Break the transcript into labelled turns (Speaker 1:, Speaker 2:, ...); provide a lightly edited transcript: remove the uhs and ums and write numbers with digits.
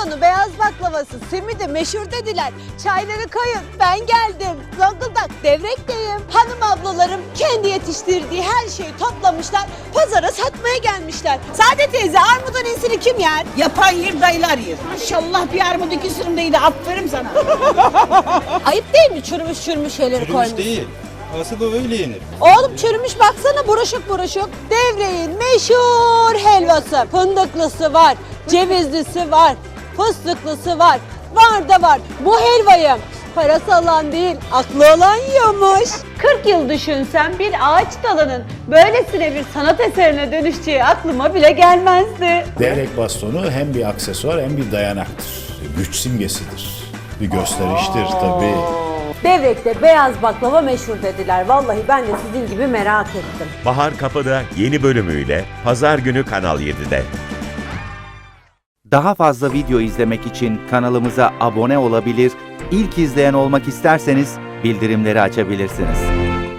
Speaker 1: bastonu, beyaz baklavası, simidi meşhur dediler. Çayları koyun, ben geldim. Zonguldak Devrek'teyim. Hanım ablalarım kendi yetiştirdiği her şeyi toplamışlar. Pazara satmaya gelmişler. Saadet teyze, armudun iyisini kim yer?
Speaker 2: Yapan yer, dayılar yer. Maşallah bir armut iki sürümdeydi. Aferin sana.
Speaker 1: Ayıp değil mi çürümüş şeyleri koymuş?
Speaker 3: Çürümüş değil. Asıl o öyle yenir.
Speaker 1: Oğlum çürümüş baksana, buruşuk buruşuk. Devreğin meşhur helvası. Fındıklısı var, cevizlisi var, fıstıklısı var. Var da var. Bu helvayı parası olan değil, aklı olan yiyormuş. 40 yıl düşünsem bir ağaç dalının böylesine bir sanat eserine dönüşeceği aklıma bile gelmezdi.
Speaker 4: Devrek bastonu hem bir aksesuar hem bir dayanaktır. Güç simgesidir. Bir gösteriştir tabii.
Speaker 1: Devrek'te beyaz baklava meşhur dediler. Vallahi ben de sizin gibi merak ettim.
Speaker 5: Bahar Kapı'da yeni bölümüyle Pazar günü Kanal 7'de.
Speaker 6: Daha fazla video izlemek için kanalımıza abone olabilir, ilk izleyen olmak isterseniz bildirimleri açabilirsiniz.